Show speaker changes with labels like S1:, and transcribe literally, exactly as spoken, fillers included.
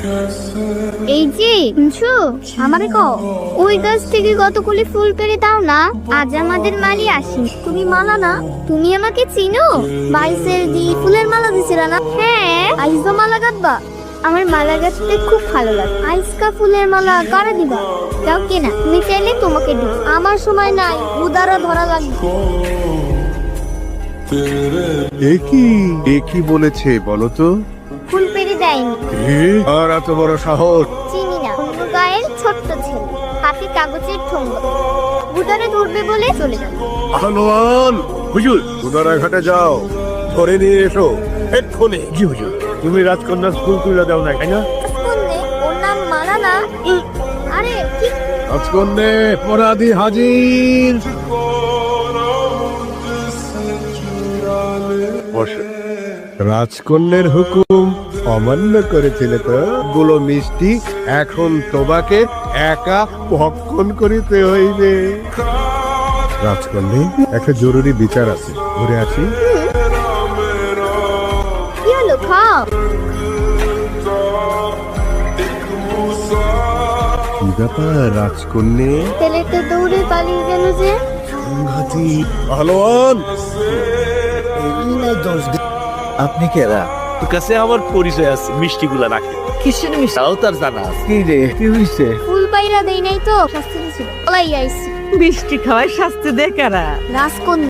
S1: এই যে শুনছো আমারে কও ওই গাছ থেকে কতগুলি ফুল পেড়ে দাও না, আজ আমাদের মালি আসি। তুমি মালা না, তুমি আমাকে চিনো? বাইশের দি ফুলের মালা দিছিলা না? হ্যাঁ, আইজো মালা গাঁথবা? আমার মালা গাঁথতে খুব ভালো লাগে। আইসকা ফুলের মালা কারা দিবা? যাও কেনা, তুমি চাইলে তোমাকে দিব। আমার সময় নাই, উদারা ধরা লাগবে।
S2: একই একই বলেছে বলো তো?
S1: ফুল পেড়ে দেয়নি।
S2: আর এত বড় সাহস!
S1: চিনি না, অন্য গায়ের ছোট্ট ছেলে, হাতে কাগজের ঠোঙ্গ, উদারে ধরবে বলে চলে যাবে।
S2: আহলোয়ান হুজুর, উদারা ঘাটে যাও, ধরে নিয়ে এসো এক্ষুনি। জি হুজুর। তুমি রাজকন্যা স্কুল তুলে দাও না, তাই না?
S1: রাজকন্যে? ওর নাম মালা না? আরে কি
S2: রাজকন্যে অপরাধী হাজির। রাজকন্যের হুকুম অমান্য করেছিলে তো, গুলো মিষ্টি এখন তোমাকে একা ভক্ষণ করিতে হইবে। রাজকন্যে, একটা জরুরি বিচার আছে, ঘুরে আসি।
S1: কি হলো? খাও।
S2: কি ব্যাপার রাজকন্যে?
S1: ছেলেটা দৌড়ে পালিয়ে গেল যে।
S2: সংঘাতি আহলোয়ান,
S3: আপনি কেরা? তোর কাছে আমার পরিচয় আছে, মিষ্টি গুলা রাখে। কিসের মিষ্টি তাও তার জানা আছে। কি রে, কি হইছে?
S1: ফুল পাইরা দেই নাই তো, শাস্তি দিছিল। পলাই আইছি।
S4: মিষ্টি খাওয়ায় শাস্তি দেয় কারা?
S1: রাজকন্যা।